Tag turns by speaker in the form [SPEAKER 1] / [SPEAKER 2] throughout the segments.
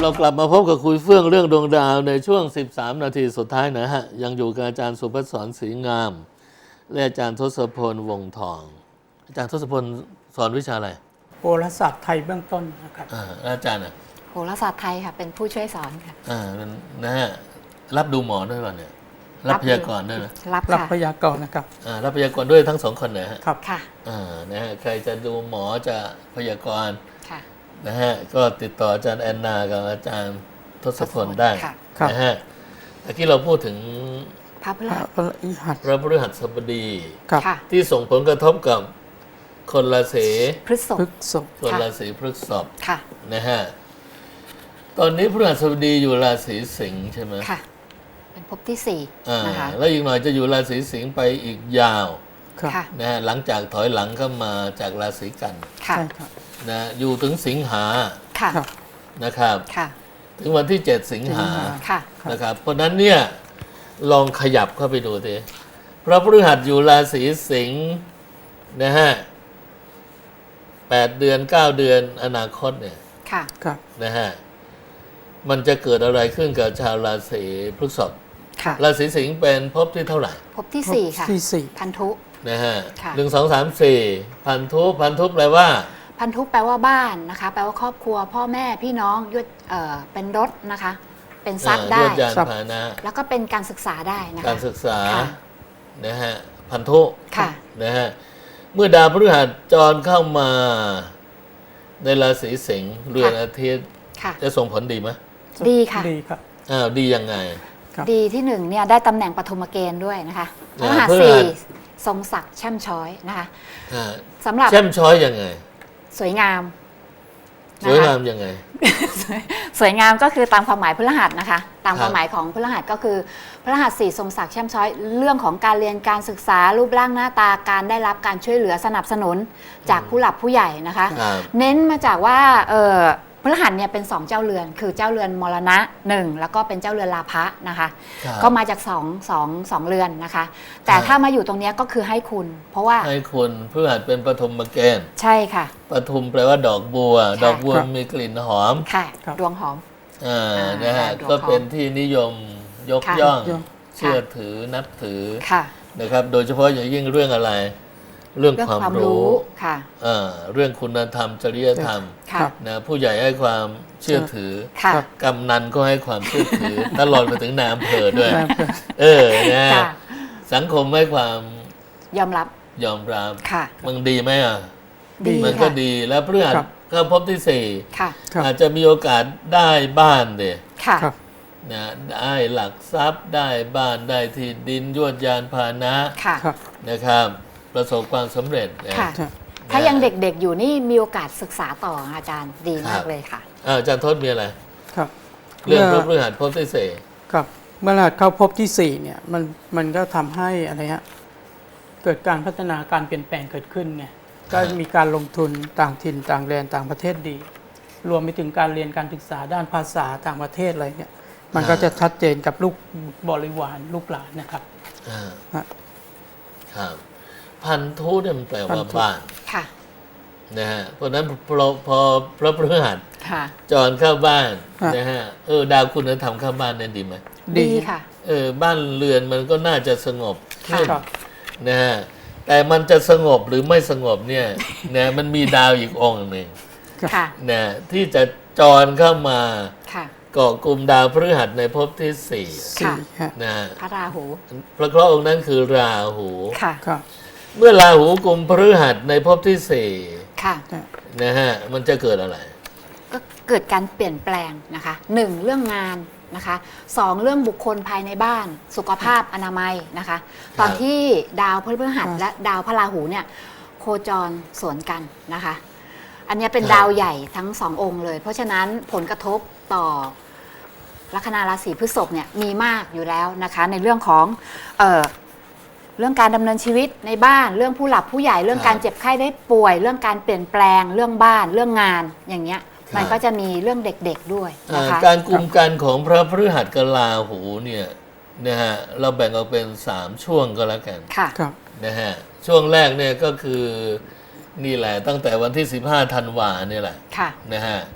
[SPEAKER 1] เรากลับมาพบกับคุยเฟื่องเรื่องดวงดาวในช่วง13นาทีสุดท้ายนะฮะยังอยู่กับอาจารย์สุภัสสรศรีงามและอาจารย์ทศพลวงศ์ทองอาจารย์ทศพลสอนวิชาอะไร
[SPEAKER 2] โหราศาสตร์ไทยเบื้องต้นนะครับ
[SPEAKER 1] อาจารย์อ่ะ
[SPEAKER 3] โหราศาสตร์ไทยค่ะเป็นผู้ช่วยสอนค่ะ
[SPEAKER 1] นะฮะรับดูหมอด้วยป่ะเนี่ยรับพยากรณ์ด้วยนะ
[SPEAKER 2] รับพยากรณ์นะครับ
[SPEAKER 1] รับพยากรณ์ด้วยทั้งสองคนนะฮะ
[SPEAKER 2] ครับ
[SPEAKER 3] ค่ะ
[SPEAKER 1] นะฮะใครจะดูหมอจะพยากรณ์
[SPEAKER 3] ค่ะ
[SPEAKER 1] นะฮะก็ติดต่ออาจารย์แอนนากับอาจารย์ทศพลได้นะฮะเมื่อกี้เราพูดถึง
[SPEAKER 3] พระพฤหัส
[SPEAKER 1] พระพฤหัสบดี
[SPEAKER 3] ค่ะ
[SPEAKER 1] ที่ส่งผลกระทบกับคนราศี
[SPEAKER 3] พฤษภ
[SPEAKER 1] คนราศีพฤษภ
[SPEAKER 3] ค่ะ
[SPEAKER 1] นะฮะตอนนี้พฤหัสบดีอยู่ราศีสิงห์ใช่ไหม
[SPEAKER 3] ค่ะเป็นภพที่4นะคะ
[SPEAKER 1] แล้วอีกหน่อยจะอยู่ราศีสิงห์ไปอีกยาว
[SPEAKER 3] ค่ะ
[SPEAKER 1] นะฮะหลังจากถอยหลังเข้ามาจากราศีกัน
[SPEAKER 3] ค่ะ
[SPEAKER 1] นะอยู่ถึงสิงหา
[SPEAKER 3] ค่ะ
[SPEAKER 1] นะครับ
[SPEAKER 3] ค่ะ
[SPEAKER 1] ถึงวันที่7สิงหา
[SPEAKER 3] ค่ะ
[SPEAKER 1] นะครับเพราะนั้นเนี่ยลองขยับเข้าไปดูทีพระพฤหัสอยู่ราศีสิงห์นะฮะ8 เดือน 9 เดือนอนาคตเนี่ย
[SPEAKER 3] ค่ะ
[SPEAKER 1] นะฮะมันจะเกิดอะไรขึ้นกับชาวราศีพฤษภราศีสิงห์เป็นภพที่เท่าไหร่
[SPEAKER 3] ภพที่4ค่ะพันธุ
[SPEAKER 1] นะฮะ1 2 3 4พันธุแปลว่า
[SPEAKER 3] พันธุแปลว่าบ้านนะคะแปลว่าครอบครัวพ่อแม่พี่น้องยศเป็นรถนะคะเป็นทรัพย์ได้
[SPEAKER 1] ยานพาหนะ
[SPEAKER 3] แล้วก็เป็นการศึกษาได้นะคะ
[SPEAKER 1] การศึกษานะฮะพันธุนะฮะเมื่อดาวพฤหัสจรเข้ามาในราศีสิงห์เรือนอาทิตย์จะส่งผลดีไหม
[SPEAKER 3] ดีค่ะ
[SPEAKER 2] ดีครับ
[SPEAKER 1] ดียังไง
[SPEAKER 3] ดีที่1เนี่ยได้ตำแหน่งปฐมเกณฑ์ด้วยนะคะพฤหัส4ทรงศักดิ์แช่มช้อยนะคะสำหรับ
[SPEAKER 1] แช่มช้อยยังไง
[SPEAKER 3] สวยงาม
[SPEAKER 1] สวยงามยังไง
[SPEAKER 3] สวยงามก็คือตามความหมายพฤหัสนะคะตามความหมายของพฤหัสก็คือพฤหัส4ทรงศักดิ์แช่มช้อยเรื่องของการเรียนการศึกษารูปร่างหน้าตาการได้รับการช่วยเหลือสนับสนุนจากผู้หลักผู้ใหญ่นะคะเน้นมาจากว่าพฤหัสเนี่ยเป็น2เจ้าเรือนคือเจ้าเรือนมรณะ1แล้วก็เป็นเจ้าเรือนลาภะนะคะก็มาจาก2เรือนนะคะแต่ถ้ามาอยู่ตรงนี้ก็คือให้คุณเพราะว่า
[SPEAKER 1] ให้คุณพฤหัสเป็นปฐมเกณฑ์
[SPEAKER 3] ใช่ค่ะ
[SPEAKER 1] ปฐุมแปลว่าดอกบัวดอกบัวมีกลิ่นหอม
[SPEAKER 3] ค่ะดวงหอม
[SPEAKER 1] นะฮะก็เป็นที่นิยมยกย่องเชื่อถือนับถือนะครับโดยเฉพาะอย่างยิ่งเรื่องอะไรเรื่องความรู้
[SPEAKER 3] ค่ะ
[SPEAKER 1] เรื่องคุณธรรมจริยธรรมนะผู้ใหญ่ให้ความเชื่อถือกำนันก็ให้ความเชื่อถือตลอดไปถึงนายอำเภอด้วยนะสังคมให้ความ
[SPEAKER 3] ยอมรับ
[SPEAKER 1] มันดีไหมมันก็ดีแล้วพฤหัสก็พบที่4อาจจะมีโอกาสได้บ้านเด็นะได้หลักทรัพย์ได้บ้านได้ที่ดินยวดยานพาหนะนะครับประสบความสำเร็จ
[SPEAKER 3] ถ้ายังเด็กๆอยู่นี่มีโอกาสศึกษาต่ออาจารย์ดีมากเลยค่ะ
[SPEAKER 1] อาจารย์ทศมีอะไรครับเรื่องพฤหัสพบที่4
[SPEAKER 2] ครับเมื่อเข้าพบที่4เนี่ยมันก็ทำให้อะไรฮะเกิดการพัฒนาการเปลี่ยนแปลงเกิดขึ้นไงก็มีการลงทุนต่างถิ่นต่างแดนต่างประเทศดีรวมไปถึงการเรียนการศึกษาด้านภาษาต่างประเทศอะไรเนี่ยมันก็จะชัดเจนกับลูกบริวารลูกหลานนะครับ
[SPEAKER 1] ครับพันธุเนี่ยมันแปลว่าบ้านนะฮะเพราะนั้นพอพระพฤหัสจรเข้าบ้านนะฮะดาวคุณธรรมเข้าบ้านเนี่ยดีไหม
[SPEAKER 3] ดีค่ะ
[SPEAKER 1] บ้านเรือนมันก็น่าจะสงบขึ้นนะฮะแต่มันจะสงบหรือไม่สงบเนี่ยนะมันมีดาวอีกองค์หนึ่งนะที่จะจรเข้ามาเกาะกลุ่มดาวพฤหัสในภพที่4นะ
[SPEAKER 3] พระราหู
[SPEAKER 1] พระเคราะห์องค์นั้นคือราหูเมื่อราหูกุมพฤหัสในภพที่4นะฮะมันจะเกิดอะไร
[SPEAKER 3] ก็เกิดการเปลี่ยนแปลงนะคะ1เรื่องงานนะคะ2เรื่องบุคคลภายในบ้านสุขภาพอนามัยนะคะตอนที่ดาวพฤหัสและดาวพระราหูเนี่ยโคจรสวนกันนะคะอันนี้เป็นดาวใหญ่ทั้ง2องค์เลยเพราะฉะนั้นผลกระทบต่อลัคนาราศีพฤษภเนี่ยมีมากอยู่แล้วนะคะในเรื่องของเรื่องการดำเนินชีวิตในบ้านเรื่องผู้หลักผู้ใหญ่เรื่องการเจ็บไข้ได้ป่วยเรื่องการเปลี่ยนแปลงเรื่องบ้านเรื่องงานอย่างเงี้ยมันก็จะมีเรื่องเด็กๆด้วยนะคะ
[SPEAKER 1] การกุมกันของพระพฤหัสกับราหูเนี่ยนะฮะเราแบ่งออกเป็น3ช่วงก็แล้วกันนะฮะช่วงแรกเนี่ยก็คือนี่แหละตั้งแต่วันที่15ธันวาเนี่ยแหละนะฮะ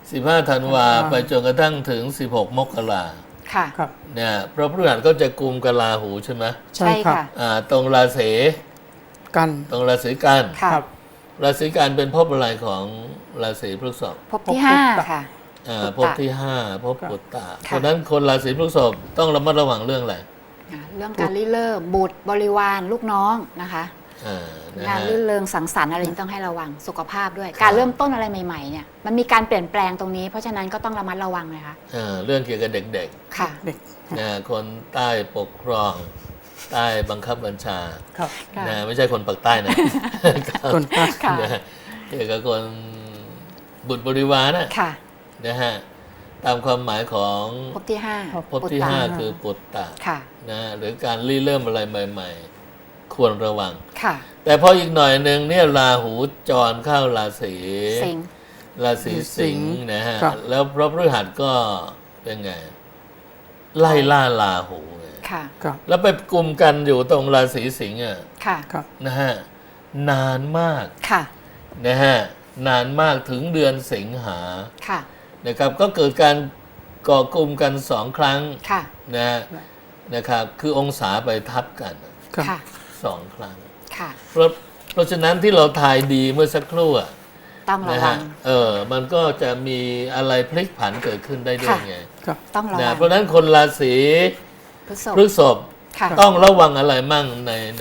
[SPEAKER 1] 15 ธันวาไปจนกระทั่งถึง 16 มกรา
[SPEAKER 3] ค่ะ
[SPEAKER 2] ครับ
[SPEAKER 1] เนี่ยเพราะพฤหัสก็จะกุมกับราหูใช่ไหม
[SPEAKER 2] ใช่ครับ
[SPEAKER 1] ตรงราศี
[SPEAKER 2] กัน
[SPEAKER 1] ตรงราศีกัน
[SPEAKER 3] ค่ะ
[SPEAKER 2] ครับ
[SPEAKER 1] ราศีกันเป็นภพอะไรของราศีพฤษภ
[SPEAKER 3] พบที่
[SPEAKER 2] พบ
[SPEAKER 3] 5 ค่ะ
[SPEAKER 1] ภพที่ 5ภพ
[SPEAKER 2] ครับ
[SPEAKER 1] ปุตตะ
[SPEAKER 3] ค่ะ
[SPEAKER 1] เพราะฉะนั้นคนราศีพฤษภต้องระมัดระวังเรื่องอะไร
[SPEAKER 3] เรื่องการริเริ่มบุตรบริวารลูกน้องนะคะ
[SPEAKER 1] นะ
[SPEAKER 3] งาน
[SPEAKER 1] ฮะ
[SPEAKER 3] รื่นเริงสังสรรค์อะไรนี้ต้องให้ระวังสุขภาพด้วย การเริ่มต้นอะไรใหม่ๆเนี่ยมันมีการเปลี่ยนแปลงตรงนี้ เพราะฉะนั้นก็ต้องระมัดระวังเลยค่ะ
[SPEAKER 1] เรื่องเกี่ยวกับเด็ก
[SPEAKER 3] ค่ะ
[SPEAKER 2] เด็ก
[SPEAKER 1] ๆนะคนใต้ปกครองใต้บังคับบัญชา
[SPEAKER 2] ครับ
[SPEAKER 3] ค่ะ
[SPEAKER 1] นะไม่ใช่คนปากใต้นะ
[SPEAKER 2] คนใต้
[SPEAKER 3] ค่ะ
[SPEAKER 1] นะเกี่ยวกับคนบุตรบริวารนะ
[SPEAKER 3] ค่ะ
[SPEAKER 1] นะฮะตามความหมายของ
[SPEAKER 3] พบที่
[SPEAKER 1] ภพที่ 5 คือปุตตะ
[SPEAKER 3] ค่ะ
[SPEAKER 1] นะหรือการริเริ่มอะไรใหม่ๆ ควรระวัง
[SPEAKER 3] ค่ะ
[SPEAKER 1] แต่พออีกหน่อยหนึ่งเนี่ยราหูจรเข้าราศี
[SPEAKER 3] สิงห์
[SPEAKER 1] ราศีสิงห์นะฮะ
[SPEAKER 2] ครับ
[SPEAKER 1] แล้วพระพฤหัสก็เป็นไง ไล่ล่าราหูไง
[SPEAKER 3] ค่ะ
[SPEAKER 2] ครับ
[SPEAKER 1] แล้วไปกลุ่มกันอยู่ตรงราศีสิงห์อ่ะ
[SPEAKER 3] ค่ะ
[SPEAKER 2] ครับ
[SPEAKER 1] นะฮะนานมาก
[SPEAKER 3] ค่ะ
[SPEAKER 1] นะฮะนานมากถึงเดือนสิงหา
[SPEAKER 3] ค่ะ
[SPEAKER 1] นะครับ ก็เกิดการก่อกลุ่มกัน2 ครั้ง
[SPEAKER 3] ค่ะ
[SPEAKER 1] นะฮะนะครับ คือองศาไปทับกัน
[SPEAKER 2] ครับ
[SPEAKER 3] ค่ะ
[SPEAKER 1] 2 ครั้ง
[SPEAKER 3] ค่ะ
[SPEAKER 1] เพราะฉะนั้นที่เราทายดีเมื่อสักครู่อะ
[SPEAKER 3] ต้องระ
[SPEAKER 1] นะ
[SPEAKER 3] วั
[SPEAKER 1] ฮะ
[SPEAKER 3] ง
[SPEAKER 1] มันก็จะมีอะไรพลิกผันเกิดขึ้นได้ด้วย
[SPEAKER 3] ค่ะ
[SPEAKER 1] ไง
[SPEAKER 2] ครับ
[SPEAKER 3] ต้องระ
[SPEAKER 1] นะ
[SPEAKER 3] วัง
[SPEAKER 1] เพราะฉะนั้นคนราศี
[SPEAKER 3] พฤษภ
[SPEAKER 1] พฤษภ
[SPEAKER 3] ค่ะ
[SPEAKER 1] ต้องระวังอะไรมั่ง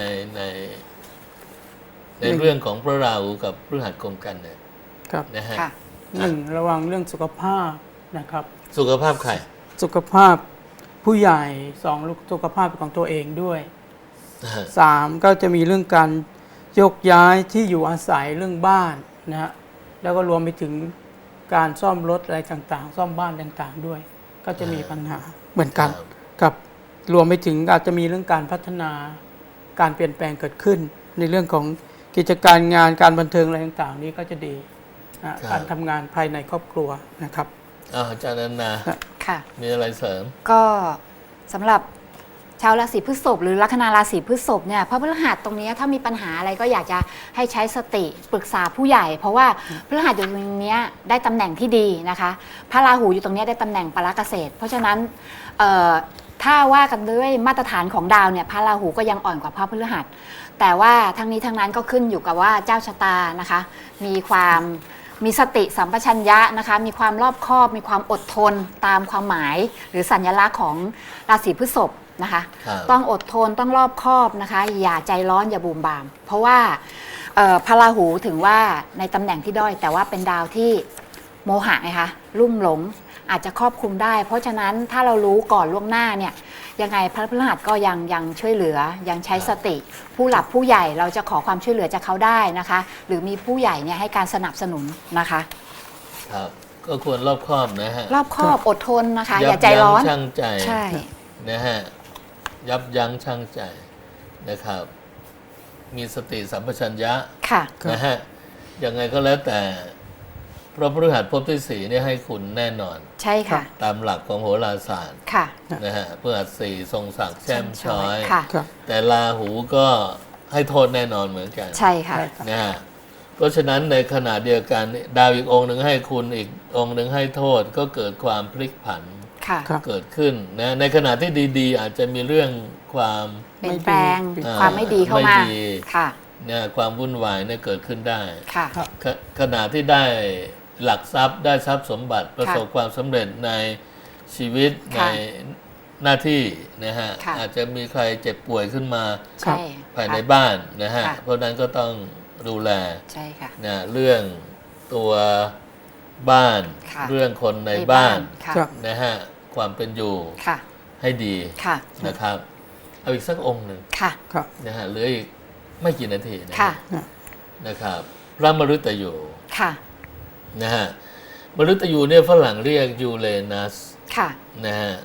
[SPEAKER 1] ในเรื่องของพระราหูกับพฤหัสกรมกันเนี่ย
[SPEAKER 2] ครับ
[SPEAKER 1] นะฮะ
[SPEAKER 3] ค่ะ
[SPEAKER 2] หนึ่งระวังเรื่องสุขภาพนะครับ
[SPEAKER 1] สุขภาพใคร
[SPEAKER 2] สุขภาพผู้ใหญ่สองสุขภาพของตัวเองด้วย
[SPEAKER 1] นะฮะ
[SPEAKER 2] สามก็จะมีเรื่องการยกย้ายที่อยู่อาศัยเรื่องบ้านนะฮะแล้วก็รวมไปถึงการซ่อมรถอะไรต่างๆ ซ่อมบ้านต่างๆด้วย ก็จะมีปัญหาเหมือนกันกับรวมไปถึงอาจจะมีเรื่องการพัฒนาการเปลี่ยนแปลงเกิดขึ้น ในเรื่องของกิจการงานการบันเทิงอะไรต่างๆ นี้ก็จะดีนะการทำงานภายในครอบครัวนะครับ
[SPEAKER 1] อาจารย์นันนา
[SPEAKER 3] ค่ะ
[SPEAKER 1] มีอะไรเสริม
[SPEAKER 3] ก็สำหรับชาวราศีพฤษภหรือลัคนาราศีพฤษภเนี่ยพระพฤหัสตรงนี้ถ้ามีปัญหาอะไรก็อยากจะให้ใช้สติปรึกษาผู้ใหญ่ เพราะว่าพฤหัสอยู่ตรงเนี้ยได้ตำแหน่งที่ดีนะคะพระราหูอยู่ตรงเนี้ยได้ตำแหน่งปาราเกษตร เพราะฉะนั้นถ้าว่ากันด้วยมาตรฐานของดาวเนี่ยพระราหูก็ยังอ่อนกว่าพระพฤหัสแต่ว่าทั้งนี้ทั้งนั้นก็ขึ้นอยู่กับว่าเจ้าชะตานะคะมีสติสัมปชัญญะนะคะมีความรอบคอบมีความอดทนตามความหมายหรือสัญลักษณ์ของราศีพฤษภนะคะ
[SPEAKER 1] ครับ
[SPEAKER 3] ต้องอดทนต้องรอบคอบนะคะอย่าใจร้อนอย่าบูมบาม เพราะว่าพระราหูถึงว่าในตำแหน่งที่ด้อย แต่ว่าเป็นดาวที่โมหะไงคะลุ่มหลงอาจจะครอบคลุมได้ เพราะฉะนั้นถ้าเรารู้ก่อนล่วงหน้าเนี่ยยังไงพระพฤหัสก็ยังช่วยเหลือยังใช้สติ ผู้หลักผู้ใหญ่เราจะขอความช่วยเหลือจากเขาได้นะคะ หรือมีผู้ใหญ่เนี่ยให้การสนับสนุนนะคะ
[SPEAKER 1] ครับก็ควรรอบคอบนะฮะ
[SPEAKER 3] รอบคอบอดทนนะคะ อย่าใจร้อน
[SPEAKER 1] ยับยั้งชั่งใจ
[SPEAKER 3] ใช่
[SPEAKER 1] นะฮะยับยั้งชั่งใจนะครับ มีสติสัมปชัญญะ
[SPEAKER 3] ค่ะ
[SPEAKER 1] นะฮะยังไงก็แล้วแต่พระพฤหัสภพที่ 4เนี่ยให้คุณแน่นอน
[SPEAKER 3] ใช่ค่ะ
[SPEAKER 1] ตามหลักของโหราศาสตร์
[SPEAKER 3] ค่ะ
[SPEAKER 1] นะฮะพฤหัส 4ทรงศักดิ์แช่มช้อย
[SPEAKER 3] ค่ะ
[SPEAKER 2] ครับ
[SPEAKER 1] แต่ราหูก็ให้โทษแน่นอนเหมือนกัน
[SPEAKER 3] ใช่ค่ะ
[SPEAKER 2] ใช่ครับ
[SPEAKER 1] นะฮะเพราะฉะนั้นในขณะเดียวกันดาวอีกองค์หนึ่งให้คุณอีกองค์หนึ่งให้โทษก็เกิดความพลิกผัน
[SPEAKER 3] ค่ะ
[SPEAKER 2] ครับ
[SPEAKER 1] เกิดขึ้นนะในขณะที่ดีๆ อาจจะมีเรื่องความ
[SPEAKER 3] เปลี่ยนแปลง
[SPEAKER 2] ไม่ดี
[SPEAKER 3] ความไม่ดีเข้ามา
[SPEAKER 1] ไม่ดี
[SPEAKER 3] ค่ะ
[SPEAKER 1] เนี่ยความวุ่นวายเนี่ยเกิดขึ้นได้
[SPEAKER 3] ค่ะ
[SPEAKER 2] ครับ
[SPEAKER 1] ขณะที่ได้หลักทรัพย์ได้ทรัพย์สมบัติประสบความสำเร็จในชีวิตใน
[SPEAKER 3] ค่ะ
[SPEAKER 1] หน้าที่นะฮะ
[SPEAKER 3] ค่ะ
[SPEAKER 1] อาจจะมีใครเจ็บป่วยขึ้นมา
[SPEAKER 3] ใช่
[SPEAKER 1] ภายใน
[SPEAKER 3] ค่ะ
[SPEAKER 1] บ้านนะฮะ
[SPEAKER 3] ค่ะ
[SPEAKER 1] เพราะฉะนั้นก็ต้องดูแล
[SPEAKER 3] ใช่ค่ะ
[SPEAKER 1] นะเรื่องตัวบ้าน
[SPEAKER 3] ค่ะ
[SPEAKER 1] เรื่องคนในบ้าน
[SPEAKER 3] ค่ะ
[SPEAKER 2] ครับ
[SPEAKER 1] นะฮะความเป็นอยู่
[SPEAKER 3] ค่ะ
[SPEAKER 1] ให้ดี
[SPEAKER 3] ค่ะ
[SPEAKER 1] นะครับเอาอีกสักองค์หนึ่ง
[SPEAKER 3] ค่ะ
[SPEAKER 2] ครับ
[SPEAKER 1] นะฮะเหลืออีกไม่กี่นาทีนะ
[SPEAKER 3] ค่ะ
[SPEAKER 1] นะครับพระมฤตยู
[SPEAKER 3] ค่ะ
[SPEAKER 1] นะฮะมฤตยูเนี่ยฝรั่งเรียกยูเรนัส
[SPEAKER 3] ค่ะ
[SPEAKER 1] นะฮะ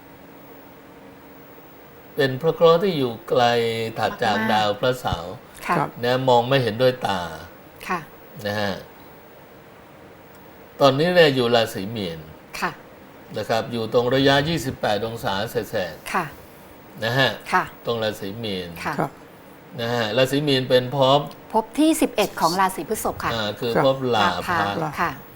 [SPEAKER 1] เป็นพระเคราะห์ที่อยู่ไกลถัดจาก
[SPEAKER 3] มากๆ
[SPEAKER 1] ดาวพระเสาร์
[SPEAKER 3] ค่ะ
[SPEAKER 2] ครับ
[SPEAKER 1] นะมองไม่เห็นด้วยตา
[SPEAKER 3] ค่ะ
[SPEAKER 1] นะฮะตอนนี้เนี่ยอยู่ราศีมีน
[SPEAKER 3] ค่ะ
[SPEAKER 1] นะครับอยู่ตรงระยะ 28 องศาเศษ
[SPEAKER 3] ค่ะ
[SPEAKER 1] ๆนะฮะ
[SPEAKER 3] ค่ะ
[SPEAKER 1] ตรงราศีมีน
[SPEAKER 3] ค่ะ
[SPEAKER 2] ครับ
[SPEAKER 1] นะฮะราศีมีนเป็นภพ
[SPEAKER 3] พบที่ 11 ของราศีพฤษภค่ะ
[SPEAKER 1] คือ
[SPEAKER 2] ครับ
[SPEAKER 1] ภพลา
[SPEAKER 3] พา
[SPEAKER 1] ภะ
[SPEAKER 3] ค่ะ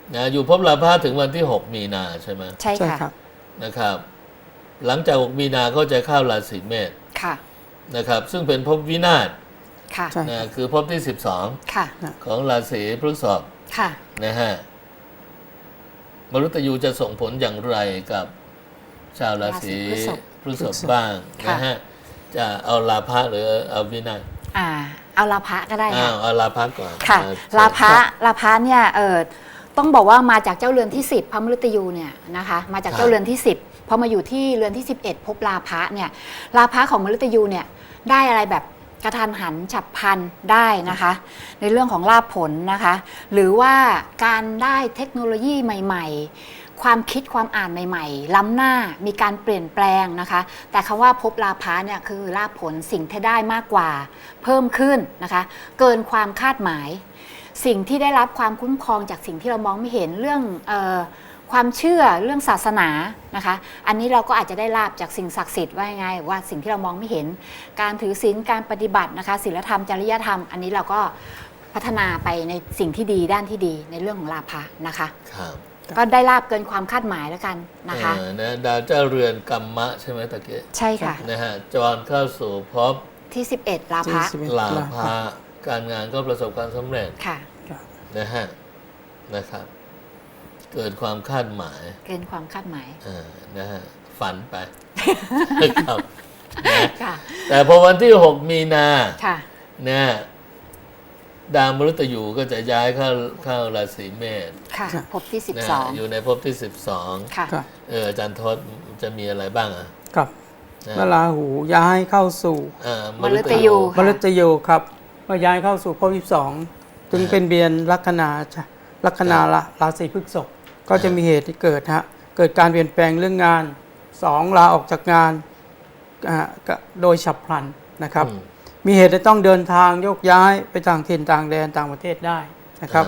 [SPEAKER 1] นะอยู่ภพลาภะถึงวันที่ 6 มีนาใช่ไหม
[SPEAKER 3] ใช่
[SPEAKER 2] ใช่
[SPEAKER 3] ค่ะ
[SPEAKER 2] ครับ
[SPEAKER 1] นะครับ หลังจาก 6 มีนาก็จะเข้าราศีเมษ
[SPEAKER 3] ค่ะ
[SPEAKER 1] นะครับ ซึ่งเป็นภพวินาศ
[SPEAKER 3] ค่ะ
[SPEAKER 2] ใช่
[SPEAKER 1] นะคือภพที่
[SPEAKER 3] ค่ะ
[SPEAKER 1] 12 ของราศีพฤษภ
[SPEAKER 3] ค่ะ
[SPEAKER 1] นะฮะมฤตยูจะส่งผลอย่างไรกับชาวราศี
[SPEAKER 3] ราศีพฤษภ
[SPEAKER 1] พฤษภบ้าง
[SPEAKER 3] ค่ะ
[SPEAKER 1] นะฮะจะเอาลาภะหรือเอาวินาศ
[SPEAKER 3] เอาลาภะก็ได้
[SPEAKER 1] อ้า
[SPEAKER 3] ค่ะ
[SPEAKER 1] วเอาลาภะก่อน
[SPEAKER 3] ค่ะ
[SPEAKER 1] เชิญ
[SPEAKER 3] ลาภะเนี่ยต้องบอกว่ามาจากเจ้าเรือนที่ 10พระมฤตยูเนี่ยนะคะมาจากเจ้าเรือนที่ 10พอมาอยู่ที่เรือนที่ 11 พบลาภะเนี่ยลาภะของมฤตยูเนี่ยได้อะไรแบบกระทันหันฉับพลันได้นะคะ ในเรื่องของลาภผลนะคะ หรือว่าการได้เทคโนโลยีใหม่ๆ ความคิดความอ่านใหม่ๆ ล้ำหน้ามีการเปลี่ยนแปลงนะคะ แต่คำว่าพบลาภะเนี่ยคือลาภผลสิ่งที่ได้มากกว่าเพิ่มขึ้นนะคะเกินความคาดหมาย สิ่งที่ได้รับความคุ้มครองจากสิ่งที่เรามองไม่เห็นเรื่องความเชื่อเรื่องศาสนานะคะอันนี้เราก็อาจจะได้ลาบจากสิ่งศักดิ์สิทธิ์ว่ายังไงว่าสิ่งที่เรามองไม่เห็น การถือศีลการปฏิบัตินะคะศีลธรรมจริยธรรมอันนี้เราก็พัฒนาไปในสิ่งที่ดีด้านที่ดีในเรื่องของลาภะนะคะ
[SPEAKER 1] ครับ
[SPEAKER 3] ก็ได้ลาบเกินความคาดหมายแล้วกันนะคะ
[SPEAKER 1] นะดาวเจ้าเรือนกัมมะใช่ไหมตะเกีย
[SPEAKER 3] ใช่ค่ะ
[SPEAKER 1] นะฮะจรเข้าสู่ภพ
[SPEAKER 3] ที่ 11 ลาภะ
[SPEAKER 2] ที่11
[SPEAKER 1] ลาภะการงานก็ประสบความสำเร็จ
[SPEAKER 3] ค่ะ
[SPEAKER 2] ครับ
[SPEAKER 1] นะฮะนะครับ เกิดความคาดหมาย
[SPEAKER 3] เกินความคาดหมาย
[SPEAKER 1] นะฮะฝันไป นะครับนะ
[SPEAKER 3] ค่ะ
[SPEAKER 1] แต่พอวันที่ 6 มีนา
[SPEAKER 3] ค่ะ
[SPEAKER 1] นะดาวมฤตยูก็จะย้ายเข้าราศีเมษ
[SPEAKER 3] ค่ะ พบที่
[SPEAKER 1] นะอยู่ในภพที่ 12
[SPEAKER 3] ค่ะ
[SPEAKER 2] ครับ
[SPEAKER 1] อาจารย์ทศจะมีอะไรบ้างอ่ะ
[SPEAKER 2] กับ
[SPEAKER 1] นะ
[SPEAKER 2] เมื่อราหูย้ายเข้าสู่
[SPEAKER 3] มฤตยู
[SPEAKER 2] มฤตยูครับเมื่อย้ายเข้าสู่ภพที่12จึงเป็นเบียนลัคนาราศีพฤษภก็จะมีเหตุที่เกิดเกิดการเปลี่ยนแปลงเรื่องงาน2ลาออกจากงานโดยฉับพลันนะครับ มีเหตุจะต้องเดินทางโยกย้ายไปต่างถิ่นต่างแดนต่างประเทศได้นะครับ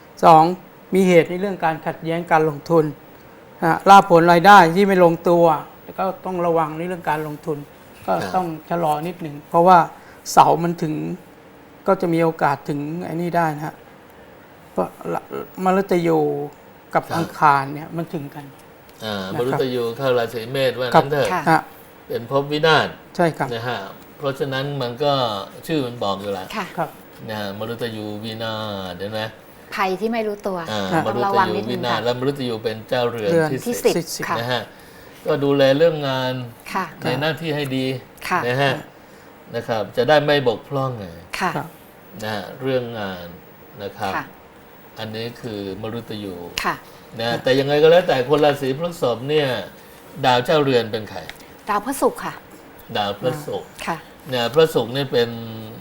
[SPEAKER 2] 2. มีเหตุในเรื่องการขัดแย้งการลงทุนลาภผลรายได้ที่ไม่ลงตัวแล้วก็ต้องระวังในเรื่องการลงทุน ก็ต้องชะลอนิดหนึ่งเพราะว่าเสามันถึงก็จะมีโอกาสถึงไอ้นี่ได้นะฮะเพราะมฤตยูกับอังคารเนี่ยมันถึงกัน
[SPEAKER 1] มฤตยูเข้าราศีเมษว่า
[SPEAKER 2] ครั
[SPEAKER 1] นั้นเถอะ
[SPEAKER 3] ค่ะ
[SPEAKER 1] เป็นภพวินาศ
[SPEAKER 2] ใช่ครับ
[SPEAKER 1] นะฮะเพราะฉะนั้นมันก็ชื่อมันบอกอยู่แล้ว
[SPEAKER 3] ค่ะ
[SPEAKER 2] ครับ
[SPEAKER 1] นะฮะมฤตยูวินาศเห็นไหม
[SPEAKER 3] ภัยที่ไม่รู้ตัว
[SPEAKER 1] ม
[SPEAKER 3] ต้อง
[SPEAKER 1] ฤ
[SPEAKER 3] ระ
[SPEAKER 1] ต
[SPEAKER 3] วัง
[SPEAKER 1] ยู
[SPEAKER 3] นิดนึ
[SPEAKER 1] วิ
[SPEAKER 3] ง
[SPEAKER 1] นาศ
[SPEAKER 3] ค่ะ
[SPEAKER 1] และมฤตยูเป็นเจ้าเรือน
[SPEAKER 2] เรือน
[SPEAKER 1] ที่
[SPEAKER 3] ที่
[SPEAKER 1] สิบ
[SPEAKER 3] 10 ค่ะ
[SPEAKER 1] นะฮะก็ดูแลเรื่องงาน
[SPEAKER 3] ค่ะ
[SPEAKER 1] ในหน้าที่ให้ดี
[SPEAKER 3] ค่ะ
[SPEAKER 1] นะฮะนะครับจะได้ไม่บกพร่องไง
[SPEAKER 3] ค่ะ
[SPEAKER 2] ครับ
[SPEAKER 1] นะฮะเรื่องงานนะครับ
[SPEAKER 3] ค่ะ
[SPEAKER 1] อันนี้คือมฤตยู
[SPEAKER 3] ค่ะ
[SPEAKER 1] นะแต่ยังไงก็แล้วแต่คนราศีพฤษภเนี่ยดาวเจ้าเรือนเป็นใคร
[SPEAKER 3] ดาวพฤหัสค่ะ
[SPEAKER 1] ดาวพระศุกร์
[SPEAKER 3] ค่ะ
[SPEAKER 1] เนี่ยพระศุกร์นี่เป็น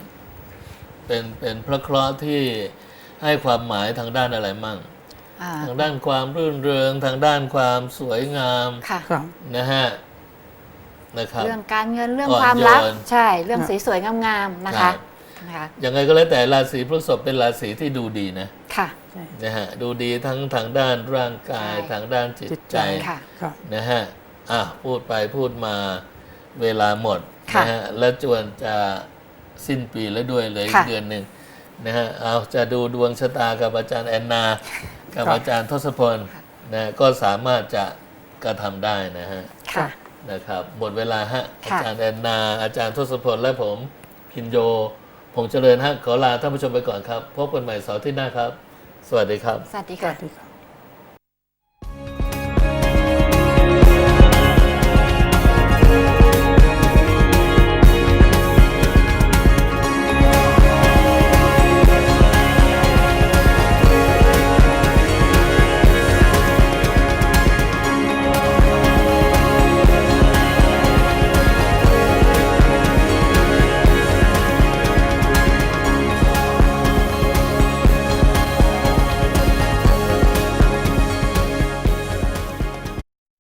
[SPEAKER 1] พระเคราะห์ที่ให้ความหมายทางด้านอะไรมั่ง ทางด้านความรื่นเริงทางด้านความสวยงาม
[SPEAKER 3] ค่ะ
[SPEAKER 2] ครับ
[SPEAKER 1] นะฮะนะครับ
[SPEAKER 3] เรื่องการเงินเรื่อง
[SPEAKER 1] อ่อน
[SPEAKER 3] ความรัก
[SPEAKER 1] โยน
[SPEAKER 3] ใช่ เรื่องสวยๆ งามๆ นะ
[SPEAKER 1] ครั
[SPEAKER 3] คะ
[SPEAKER 1] บ
[SPEAKER 3] นะคะ
[SPEAKER 1] ยังไงก็แล้วแต่ราศีพฤษภเป็นราศีที่ดูดีนะ
[SPEAKER 3] ค่ะ
[SPEAKER 1] นะฮะดูดีทั้งทางด้านร่างกาย
[SPEAKER 3] ใช่
[SPEAKER 1] ทางด้านจิต
[SPEAKER 2] จิต
[SPEAKER 1] ใจ
[SPEAKER 2] ใจ
[SPEAKER 3] ค่ะ
[SPEAKER 2] ครับ
[SPEAKER 1] นะฮะพูดไปพูดมาเวลาหมด
[SPEAKER 3] ค่ะ
[SPEAKER 1] นะฮะและจวนจะสิ้นปีแล้วด้วยเลยอีก
[SPEAKER 3] ค่ะ
[SPEAKER 1] เดือนหนึ่งนะฮะเอาจะดูดวงชะตากับอาจารย์แอนนา กับ
[SPEAKER 2] ครับ
[SPEAKER 1] อาจารย์ทศพลนะก็สามารถจะกระทำได้นะฮะ
[SPEAKER 3] ค่ะ
[SPEAKER 1] นะครับหมดเวลาฮะอา
[SPEAKER 3] ค่ะ
[SPEAKER 1] จารย์แอนนา อาจารย์ทศพลและผมพินโยผงเจริญฮะขอลาท่านผู้ชมไปก่อนครับ พบกันใหม่เสาร์ที่หน้าครับ สวัสดีครับ
[SPEAKER 3] สวัสดี
[SPEAKER 2] ส
[SPEAKER 3] ค่ะ
[SPEAKER 2] วัสดีครับ